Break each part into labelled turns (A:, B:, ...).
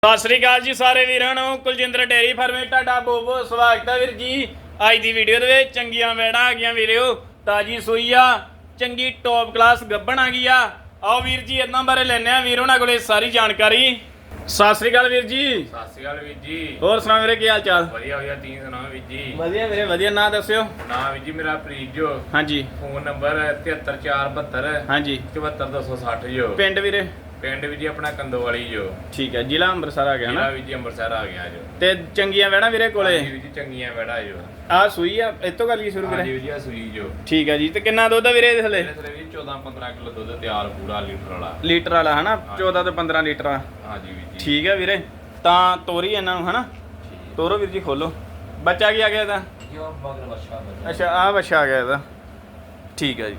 A: ਸਤਿ ਸ੍ਰੀ ਅਕਾਲ ਜੀ ਸਾਰੇ ਵੀਰਾਂ ਨੂੰ। ਕੁਲਜਿੰਦਰ ਡੇਅਰੀ ਫਾਰਮ ਵਿੱਚ ਤੁਹਾਡਾ ਬਹੁਤ ਬਹੁਤ ਸਵਾਗਤ ਹੈ ਵੀਰ ਜੀ। ਅੱਜ ਦੀ ਵੀਡੀਓ ਦੇ ਵਿੱਚ ਚੰਗੀਆਂ ਵੈੜਾਂ ਆ ਗਈਆਂ ਵੀਰਿਓ, ਤਾਜੀ ਸੂਈ ਆ, ਚੰਗੀ ਟੌਪ ਕਲਾਸ ਗੱਭਣ ਆ ਗਈ ਆ। ਆਓ ਵੀਰ ਜੀ ਇਹਨਾਂ ਬਾਰੇ ਲੈਣੇ ਆ ਵੀਰ ਉਹਨਾਂ ਕੋਲੇ ਸਾਰੀ ਜਾਣਕਾਰੀ। ਸਤਿ ਸ੍ਰੀ ਅਕਾਲ ਵੀਰ ਜੀ।
B: ਸਤਿ ਸ਼੍ਰੀ ਅਕਾਲ ਵੀਰ ਜੀ।
A: ਹੋਰ ਸੁਣਾਓ ਵੀਰੇ, ਕੀ ਹਾਲ ਚਾਲ?
B: ਵਧੀਆ ਵਧੀਆ, ਤੁਸੀਂ ਸੁਣਾਓ ਵੀਰ ਜੀ?
A: ਵਧੀਆ ਵੀਰੇ ਵਧੀਆ। ਨਾਂ ਦੱਸਿਓ।
B: ਨਾਮ ਵੀਰ ਜੀ ਮੇਰਾ ਪ੍ਰੀਤ ਜੋ।
A: ਹਾਂਜੀ।
B: ਫੋਨ ਨੰਬਰ 73472
A: ਹਾਂਜੀ।
B: 74260 ਜੋ।
A: ਪਿੰਡ ਵੀਰੇ?
B: ਪਿੰਡ ਵੀ ਜੀ ਆਪਣਾ ਕੰਦੋਵਾਲੀ ਜੋ।
A: ਠੀਕ ਹੈ, ਜ਼ਿਲ੍ਹਾ ਅੰਮ੍ਰਿਤਸਰ ਆ ਗਿਆ ਨਾ?
B: ਵੀ ਜੀ ਅੰਮ੍ਰਿਤਸਰ ਆ ਗਿਆ ਜੋ।
A: ਤੇ ਚੰਗੀਆਂ ਵੈੜਾਂ ਵੀਰੇ ਕੋਲੇ?
B: ਜੀ ਵੀਰ ਜੀ ਚੰਗੀਆਂ ਵੈੜਾ ਜੋ।
A: ਆ ਸੂਈ ਆ, ਇਤੋਂ ਕਰ ਲਈ ਸ਼ੁਰੂ ਵੀਰੇ?
B: ਜੀ ਵੀਰ ਜੀ ਆ ਸੂਈ ਜੋ।
A: ਠੀਕ ਹੈ ਜੀ। ਤੇ ਕਿੰਨਾ ਦੁੱਧ ਆ ਵੀਰੇ ਇਹਦੇ ਥੱਲੇ?
B: ਇਹਦੇ ਥੱਲੇ ਵੀ 14-15 ਕਿਲੋ ਦੁੱਧ ਤਿਆਰ ਪੂਰਾ ਲੀਟਰ ਵਾਲਾ।
A: ਲੀਟਰ ਵਾਲਾ ਹਨਾ? 14 ਤੋਂ 15 ਲੀਟਰ ਆ।
B: ਹਾਂਜੀ ਵੀਰ ਜੀ।
A: ਠੀਕ ਹੈ ਵੀਰੇ। ਤਾਂ ਤੋਰੀ ਇਹਨਾਂ ਨੂੰ ਹਨਾ? ਤੋਰੋ ਵੀਰ ਜੀ, ਖੋਲੋ। ਬੱਚਾ ਕੀ ਆ ਗਿਆ ਇਹਦਾ?
B: ਜੋ ਮਗਰ ਵਛਾ।
A: ਅੱਛਾ, ਆ ਬੱਚਾ ਆ ਗਿਆ ਇਹਦਾ। ਠੀਕ ਹੈ ਜੀ।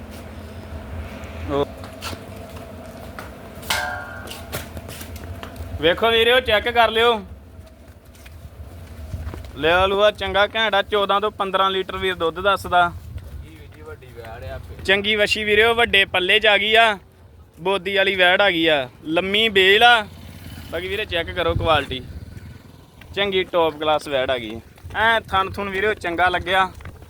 A: ਵੇਖੋ ਵੀਰੇ, ਚੈੱਕ ਕਰ ਲਿਓ। ਲਿਆ ਲੂਆ ਚੰਗਾ ਘੈਂਟਾ, 14 ਤੋਂ 15 ਲੀਟਰ ਵੀਰ ਦੁੱਧ ਦੱਸਦਾ।
B: ਜੀ ਵੱਡੀ ਵੈੜ ਆ।
A: ਚੰਗੀ ਵਛੀ ਵੀਰੇ, ਵੱਡੇ ਪੱਲੇ 'ਚ ਆ ਗਈ ਆ। ਬੋਦੀ ਵਾਲੀ ਵੈੜ ਆ ਗਈ ਆ, ਲੰਮੀ ਬੇਲ ਆ। ਬਾਕੀ ਵੀਰੇ ਚੈੱਕ ਕਰੋ ਕੁਆਲਿਟੀ, ਚੰਗੀ ਟੌਪ ਕਲਾਸ ਵੈੜ ਆ ਗਈ। ਐ ਥਣ ਥੁਣ ਵੀਰੇ ਚੰਗਾ ਲੱਗਿਆ।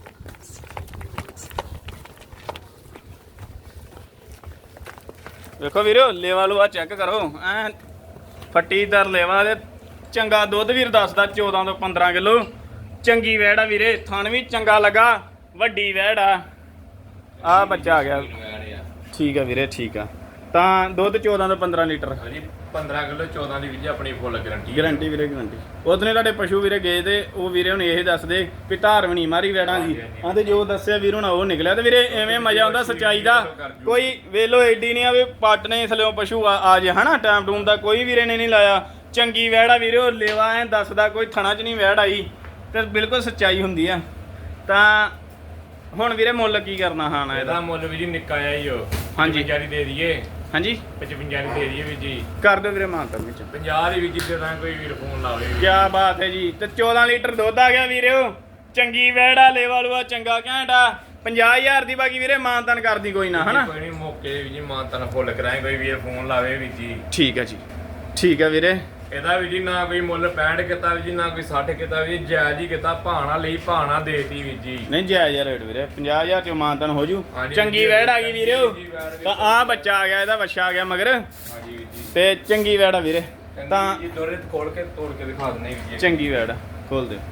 A: ਵੇਖੋ ਵੀਰੇ, ਲੇਵਾ ਲੂਆ ਚੈੱਕ ਕਰੋ। ਐ ਫੱਟੀਦਾਰ ਲੇਵਾ ਦੇ, ਚੰਗਾ ਦੁੱਧ ਵੀਰ ਦੱਸਦਾ 14 ਤੋਂ 15 ਕਿਲੋ। ਚੰਗੀ ਵੈੜ ਆ ਵੀਰੇ, ਥਣ ਵੀ ਚੰਗਾ ਲੱਗਾ, ਵੱਡੀ ਵੈੜ ਆ। ਆ ਬੱਚਾ ਆ ਗਿਆ। ਠੀਕ ਆ ਵੀਰੇ, ਠੀਕ ਆ। ਤਾਂ ਦੁੱਧ 14 ਤੋਂ 15 ਲੀਟਰ।
B: ਹਾਂਜੀ 15 ਕਿਲੋ 14 ਦੀ ਵੀ ਆਪਣੀ ਫੁੱਲ ਗਾਰੰਟੀ।
A: ਗਾਰੰਟੀ ਵੀਰੇ, ਗਾਰੰਟੀ। ਉਹਦਨੇ ਤੁਹਾਡੇ ਪਸ਼ੂ ਵੀਰੇ ਗਏ ਤੇ ਉਹ ਵੀਰੇ ਹੁਣ ਇਹ ਦੱਸਦੇ ਵੀ ਧਾਰਵਣੀ ਮਾਰੀ ਵੈੜਾਂ ਦੀ। ਆਂਦੇ ਜੋ ਦੱਸਿਆ ਵੀਰ ਹੁਣ ਉਹ ਨਿਕਲਿਆ। ਤੇ ਵੀਰੇ ਐਵੇਂ ਮਜ਼ਾ ਆਉਂਦਾ ਸੱਚਾਈ ਦਾ। ਕੋਈ ਵੇਲੋ ਐਡੀ ਨਹੀਂ ਆ ਵੀ ਪੱਟ ਨੇ ਥੱਲੇ ਪਸ਼ੂ ਆ ਜੇ ਹਨਾ। ਟਾਈਮ ਟੂਮ ਦਾ ਕੋਈ ਵੀਰੇ ਨੇ ਨਹੀਂ ਲਾਇਆ। ਚੰਗੀ ਵੈੜ ਆ ਵੀਰੇ, ਉਹ ਲੇਵਾ ਐ ਦੱਸਦਾ, ਕੋਈ ਥਣਾ 'ਚ ਨਹੀਂ ਵੈੜ ਆਈ। ਤੇ ਬਿਲਕੁਲ ਸੱਚਾਈ ਹੁੰਦੀ ਆ। ਤਾਂ ਹੁਣ ਵੀਰੇ ਮੁੱਲ ਕੀ ਕਰਨਾ? ਹਾਂ ਨਾ
B: ਇਹਦਾ ਮੁੱਲ ਵੀ ਜੀ ਨਿੱਕਾ ਜਿਹਾ ਹੀ ਹੋ।
A: ਹਾਂਜੀ।
B: 55 ਦੇ ਦਈਏ।
A: ਹਾਂਜੀ
B: 55 ਦੀ ਦੇ ਦਈਏ ਵੀ ਜੀ।
A: ਕਰ ਦਿਓ ਵੀਰੇ ਮਾਨਤਾ ਵਿੱਚ।
B: 50 ਦੀ ਵੀ ਜੀ ਦੇਦਾਂ, ਕੋਈ ਵੀਰ ਫੋਨ ਲਾਵੇ।
A: ਕੀ ਬਾਤ ਹੈ ਜੀ। ਤੇ 14 ਲੀਟਰ ਦੁੱਧ ਆ ਗਿਆ ਵੀਰੇ। ਚੰਗੀ ਵੈੜਾ, ਲੇਵਾ ਲੂਆ ਚੰਗਾ ਘੈਂਟਾ। 50,000 ਦੀ ਬਾਕੀ ਵੀਰੇ ਮਾਨਤਨ ਕਰਦੀ ਕੋਈ ਨਾ ਹਨਾ?
B: ਕੋਈ ਨਹੀਂ, ਮੌਕੇ ਵੀ ਜੀ ਮਾਨਤਨ ਫੁੱਲ ਕਰਾਏ, ਕੋਈ ਵੀਰ ਫੋਨ ਲਾਵੇ ਵੀ ਜੀ।
A: ਠੀਕ ਹੈ ਜੀ, ਠੀਕ ਹੈ ਵੀਰੇ।
B: ਇਹਦਾ ਵੀ ਜੀ ਨਾ ਕੋਈ ਮੁੱਲ 65 ਕੀਤਾ ਵੀ ਜੀ, ਨਾ ਕੋਈ 60 ਕੀਤਾ ਵੀ, ਜਾਇਜ਼ ਹੀ ਕੀਤਾ। ਭਾਣਾ ਲਈ ਭਾਣਾ ਦੇਤੀ ਵੀ ਜੀ।
A: ਨਹੀਂ ਜਾਇਜ਼ ਰੇਟ ਵੀਰੇ, 50,000 ਚ ਮਾਨਤਨ ਹੋ ਜੂ।
B: ਹਾਂਜੀ
A: ਚੰਗੀ ਵੈੜ ਆ ਗਈ ਵੀਰੇ। ਤਾਂ ਆ ਬੱਚਾ ਆ ਗਿਆ, ਇਹਦਾ ਬੱਚਾ ਆ ਗਿਆ ਮਗਰ।
B: ਹਾਂਜੀ ਵੀਰ ਜੀ।
A: ਤੇ ਚੰਗੀ ਵੈੜ ਆ ਵੀਰੇ। ਤਾਂ
B: ਜੀ ਦੋਰੇ ਖੋਲ ਕੇ ਤੋੜ ਕੇ ਦਿਖਾ ਦਿੰਦੇ ਵੀ ਜੀ।
A: ਚੰਗੀ ਵੈੜ ਖੋਲ ਦਿਓ।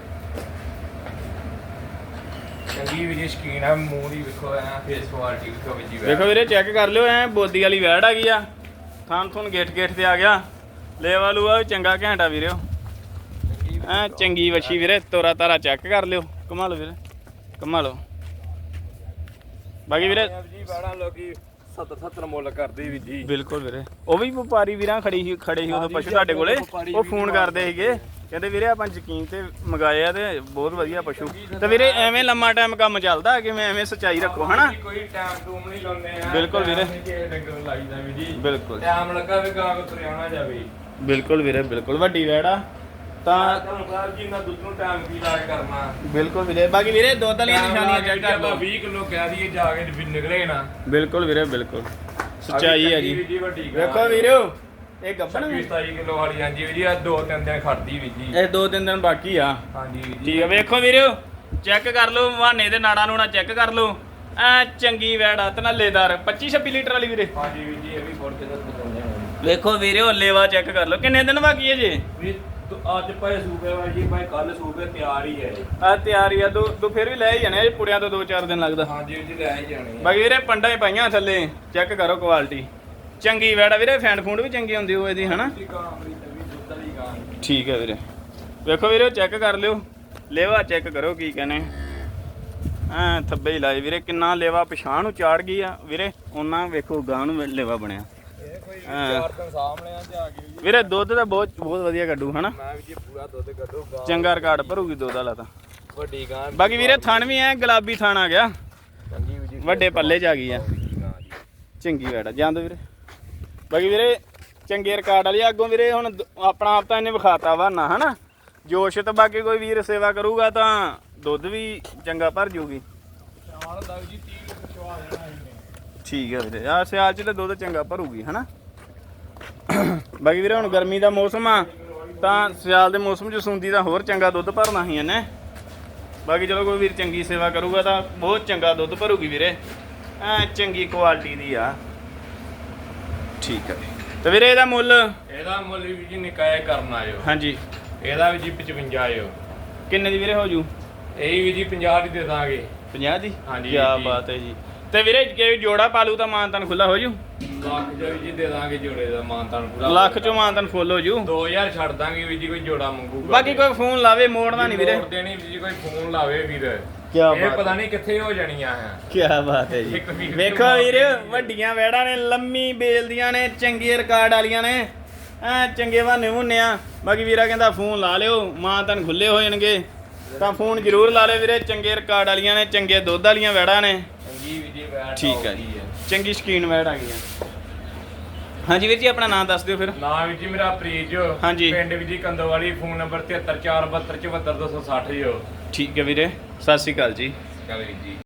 B: ਚੰਗੀ ਵੀ ਜੀ, ਸ਼ਕੀਨ ਆ। ਮੂੰਹ ਦੀ ਵੇਖੋ, ਐ ਫੇਸ ਕੁਆਲਿਟੀ ਵੇਖੋ ਵੀ ਜੀ।
A: ਵੇਖੋ ਵੀਰੇ ਚੈੱਕ ਕਰ ਲਿਓ। ਐ ਬੋਦੀ ਵਾਲੀ ਵੈੜ ਆ ਗਈ ਆ। ਥਣ ਥੁਣ ਗੇਟ ਗੇਟ ਤੇ ਆ ਗਿਆ। ਲੇਵਾ ਲੂਆ ਵੀ ਚੰਗਾ ਘੈਂਟਾ ਵੀਰੇ। ਐ ਚੰਗੀ ਵਛੀ ਵੀਰੇ, ਤੋਰਾ ਤਾਰਾ ਚੈੱਕ ਕਰ ਲਿਓ। ਘੁਮਾ ਲਓ ਵੀਰੇ, ਘੁਮਾ ਲਓ। ਬਾਕੀ ਵੀਰੇ
B: ਜੀ ਬਾੜਾ ਲੋਕੀ 70 ਮੁੱਲ ਕਰਦੇ ਵੀ ਜੀ।
A: ਬਿਲਕੁਲ ਵੀਰੇ। ਉਹ ਵੀ ਵਪਾਰੀ ਵੀਰਾਂ ਖੜੇ ਸੀ ਉਦੋਂ ਪਸ਼ੂ ਤੁਹਾਡੇ ਕੋਲੇ। ਉਹ ਫੋਨ ਕਰਦੇ ਸੀਗੇ, ਕਹਿੰਦੇ ਵੀਰੇ ਆਪਾਂ ਯਕੀਨ ਤੇ ਮੰਗਾਏ ਆ ਤੇ ਬਹੁਤ ਵਧੀਆ ਪਸ਼ੂ। ਤੇ ਵੀਰੇ ਐਵੇਂ ਲੰਮਾ ਟਾਈਮ ਕੰਮ ਚੱਲਦਾ ਕਿ ਮੈਂ ਐਵੇਂ ਸੱਚਾਈ ਰੱਖੋ ਹਨਾ?
B: ਕੋਈ ਟਾਈਮ ਟੂਮ ਨਹੀਂ ਲਾਉਂਦੇ ਆ।
A: ਬਿਲਕੁਲ ਵੀਰੇ,
B: ਡੰਗਰ ਲਾਈਦਾ ਵੀ ਜੀ।
A: ਬਿਲਕੁਲ
B: ਟਾਈਮ ਲੱਗਾ ਵੀ ਗਾਂ ਕੋ ਤੁਰਿਆਣਾ ਜਾਵੇ।
A: ਬਿਲਕੁਲ ਵੀਰੇ, ਬਿਲਕੁਲ ਵੱਡੀ ਵੈੜ ਆ। ਤਾਂ
B: ਤੁਹਾਨੂੰ ਪਤਾ ਜੀ ਨਾ ਦੁੱਧ ਨੂੰ ਟਾਈਮ ਕੀ ਲਾਇਆ ਕਰਨਾ।
A: ਬਿਲਕੁਲ ਵੀਰੇ। ਬਾਕੀ ਵੀਰੇ ਦੁੱਧ ਵਾਲੀਆਂ ਨਿਸ਼ਾਨੀਆਂ ਚੈੱਕ ਕਰ ਲਓ।
B: 20 ਕਿਲੋ ਕਹਿ ਦਈਏ ਜਾ ਕੇ ਵੀ ਨਿਕਲੇ ਨਾ।
A: ਬਿਲਕੁਲ ਵੀਰੇ, ਬਿਲਕੁਲ ਸੱਚਾਈ ਹੈ ਜੀ। ਵੇਖੋ ਵੀਰੇ, ਇਹ ਗੱਬਣ
B: 27 ਕਿਲੋ ਵਾਲੀ। ਹਾਂਜੀ ਵੀ ਜੀ, ਆ 2-3 ਦਿਨ ਖੜਦੀ ਵੀ ਜੀ।
A: ਇਹ 2-3 ਦਿਨ ਬਾਕੀ ਆ।
B: ਹਾਂਜੀ ਵੀ ਜੀ।
A: ਠੀਕ ਹੈ। ਵੇਖੋ ਵੀਰੇ, ਚੈੱਕ ਕਰ ਲਓ ਮਹਾਨੇ ਦੇ ਨਾੜਾਂ ਨੂੰ ਨਾ ਚੈੱਕ ਕਰ ਲਓ। ਐ ਚੰਗੀ ਵੈੜ ਆ, ਤਨੱਲੇਦਾਰ। 25-26 ਲੀਟਰ ਵਾਲੀ ਵੀਰੇ।
B: ਹਾਂਜੀ ਵੀ ਜੀ, ਇਹ ਵੀ ਫੋੜ ਕੇ ਦੱਸ ਦਿੰਦੇ ਹਾਂ।
A: ਵੇਖੋ ਵੀਰੇ, ਉਹ ਲੇਵਾ ਚੈੱਕ ਕਰ ਲਓ। ਕਿੰਨੇ ਦਿਨ ਬਾਕੀ ਹੈ ਜੀ?
B: ਵੀ ਅੱਜ ਭਾਈ ਸੂਬੇ ਵਾ ਜੀ, ਭਾਈ ਕੱਲ ਸੂਬੇ ਤਿਆਰ ਹੀ ਹੈ।
A: ਆ ਤਿਆਰੀ ਆ। ਦੋ ਫਿਰ ਵੀ ਲੈ ਹੀ ਜਾਣੇ ਪੁੜਿਆਂ ਤੋਂ 2-4 ਦਿਨ ਲੱਗਦਾ।
B: ਹਾਂਜੀ ਜੀ, ਲੈ ਹੀ ਜਾਣੇ।
A: ਬਾਕੀ ਵੀਰੇ ਪੰਡਾਂ ਹੀ ਪਾਈਆਂ ਥੱਲੇ, ਚੈੱਕ ਕਰੋ ਕੁਆਲਿਟੀ। ਚੰਗੀ ਵੈੜ ਆ ਵੀਰੇ। ਫੈਂਡ ਫੂਡ ਵੀ ਚੰਗੀ ਹੁੰਦੀ ਹੋਵੇ ਇਹਦੀ ਹਨਾ? ਠੀਕ ਹੈ ਵੀਰੇ। ਵੇਖੋ ਵੀਰੇ, ਚੈੱਕ ਕਰ ਲਿਓ। ਲੇਵਾ ਚੈੱਕ ਕਰੋ, ਕੀ ਕਹਿੰਦੇ ਐ ਥੱਬੇ ਹੀ ਲਾਏ ਵੀਰੇ। ਕਿੰਨਾ ਲੇਵਾ ਪਛਾਣ ਨੂੰ ਚਾੜ ਗਈ ਆ ਵੀਰੇ। ਉਹਨਾਂ ਵੇਖੋ ਗਾਂ ਨੂੰ ਲੇਵਾ ਬਣਿਆ। ਵੀਰੇ ਦੁੱਧ ਦਾ ਬਹੁਤ ਵਧੀਆ ਕੱਢੂ ਹਨਾ?
B: ਮੈਂ ਵੀ ਜੀ ਪੂਰਾ ਦੁੱਧ ਕੱਢੂਗਾ।
A: ਚੰਗਾ ਰਿਕਾਰਡ ਭਰੂਗੀ ਦੁੱਧ ਵਾਲਾ ਤਾਂ।
B: ਵੱਡੀ ਗਾਂ।
A: ਬਾਕੀ ਵੀਰੇ ਥਣ ਵੀ ਐ ਗੁਲਾਬੀ ਥਣ ਆ ਗਿਆ, ਵੱਡੇ ਪੱਲੇ 'ਚ ਆ ਗਈ ਆ। ਚੰਗੀ ਵੈੜ ਆ। ਜਾਂ ਦੋ ਵੀਰੇ। ਬਾਕੀ ਵੀਰੇ ਚੰਗੇ ਰਿਕਾਰਡ ਵਾਲੀ ਅੱਗੋਂ ਵੀਰੇ। ਹੁਣ ਆਪਣਾ ਆਪ ਤਾਂ ਇਹਨੇ ਵਿਖਾਤਾ ਵਾ ਨਾ ਹਨਾ? ਜੋਸ਼ ਤਾਂ ਬਾਕੀ ਕੋਈ ਵੀਰ ਸੇਵਾ ਕਰੂਗਾ ਤਾਂ ਦੁੱਧ ਵੀ ਚੰਗਾ ਭਰ ਜੂਗੀ। ਠੀਕ ਹੈ ਵੀਰੇ। ਆ ਸਿਆਲ 'ਚ ਤਾਂ ਦੁੱਧ ਚੰਗਾ ਭਰੂਗੀ ਹਨਾ? ਬਾਕੀ ਵੀਰੇ ਹੁਣ ਗਰਮੀ ਦਾ ਮੌਸਮ ਆ ਤਾਂ ਸਿਆਲ ਦੇ ਮੌਸਮ 'ਚ ਸੂੰਦੀ ਦਾ ਹੋਰ ਚੰਗਾ ਦੁੱਧ ਭਰਨਾ ਹੀ ਇਹਨੇ। ਬਾਕੀ ਚਲੋ ਕੋਈ ਵੀਰ ਚੰਗੀ ਸੇਵਾ ਕਰੂਗਾ ਤਾਂ ਬਹੁਤ ਚੰਗਾ ਦੁੱਧ ਭਰੂਗੀ ਵੀਰੇ, ਐ ਚੰਗੀ ਕੁਆਲਿਟੀ ਦੀ ਆ। ਠੀਕ ਹੈ ਤੇ ਵੀਰੇ ਇਹਦਾ ਮੁੱਲ?
B: ਇਹਦਾ ਮੁੱਲ ਵੀ ਜੀ ਨਿਕਾਏ ਕਰਨ ਆਇਓ।
A: ਹਾਂਜੀ
B: ਇਹਦਾ ਵੀ ਜੀ 55 ਆਇਓ।
A: ਕਿੰਨੇ ਦੀ ਵੀਰੇ ਹੋ ਜੂ?
B: ਇਹ ਵੀ ਜੀ 50 ਦੀ ਦੇ ਦਾਂਗੇ।
A: 50 ਦੀ?
B: ਹਾਂਜੀ
A: ਕੀ
B: ਜੀ।
A: ਬਾਤ ਹੈ ਜੀ। ਤੇ ਵੀਰੇ ਜੇ ਜੋੜਾ ਪਾਲੂ ਤਾਂ ਮਾਨਤਨ ਖੁੱਲਾ ਹੋ ਜੂ?
B: ਲੱਖ ਜੋ ਜੀ ਦੇ ਦਾਂਗੇ ਜੋੜੇ ਦਾ ਮਾਨਤਾਨ ਪੂਰਾ।
A: ਲੱਖ ਚੋਂ ਮਾਨਤਨ ਫੁੱਲ ਹੋ ਜੂ?
B: 2000 ਛੱਡ ਦਾਂਗੇ ਵੀ ਜੀ ਕੋਈ ਜੋੜਾ ਮੰਗੂਗਾ।
A: ਬਾਕੀ ਕੋਈ ਫੋਨ ਲਾਵੇ ਮੋੜਨਾ ਨਹੀਂ ਵੀਰੇ?
B: ਮੋੜ ਦੇਣੀ ਵੀ ਜੀ ਕੋਈ ਫੋਨ ਲਾਵੇ ਵੀਰ।
A: ਕਿਆ
B: ਇਹ
A: ਬਾਤ
B: ਪਤਾ ਨਹੀਂ ਕਿੱਥੇ ਹੋ ਜਾਣੀਆਂ ਆ।
A: ਕੀ ਬਾਤ ਹੈ ਜੀ।
B: ਇੱਕ ਵੀਰ
A: ਵੇਖੋ ਵੀਰ ਵੱਡੀਆਂ ਵੈੜਾਂ ਨੇ, ਲੰਮੀ ਬੇਲ ਦੀਆਂ ਨੇ, ਚੰਗੇ ਰਿਕਾਰਡ ਵਾਲੀਆਂ ਨੇ, ਐ ਚੰਗੇ ਬਹਾਨੇ ਹੁੰਨੇ ਆ। ਬਾਕੀ ਵੀਰਾ ਕਹਿੰਦਾ ਫੋਨ ਲਾ ਲਿਓ, ਮਾਨਤਨ ਖੁੱਲੇ ਹੋ ਜਾਣਗੇ ਤਾਂ ਫੋਨ ਜ਼ਰੂਰ ਲਾ ਲਿਓ ਵੀਰੇ। ਚੰਗੇ ਰਿਕਾਰਡ ਵਾਲੀਆਂ ਨੇ, ਚੰਗੇ ਦੁੱਧ ਵਾਲੀਆਂ ਵੈੜਾਂ ਨੇ।
B: ਚੰਗੀ ਵੀ ਜੀ ਵੈਟ
A: ਠੀਕ ਹੈ ਜੀ, ਚੰਗੀ ਸ਼ਕੀਨ ਵੈੜ ਆ ਗਈਆਂ। ਹਾਂਜੀ ਵੀਰ ਜੀ ਆਪਣਾ ਨਾਮ ਦੱਸ ਦਿਓ ਫਿਰ।
B: ਨਾਮ ਵੀ ਜੀ ਮੇਰਾ ਪ੍ਰੀਤ ਜੋ।
A: ਹਾਂਜੀ।
B: ਪਿੰਡ ਵੀ ਜੀ ਕੰਦੋਵਾਲੀ। ਫੋਨ ਨੰਬਰ 7347274260 ਜੋ।
A: ਠੀਕ ਹੈ ਵੀਰੇ, ਸਤਿ ਸ਼੍ਰੀ ਅਕਾਲ ਜੀ।
B: ਚੱਲ ਵੀ ਜੀ।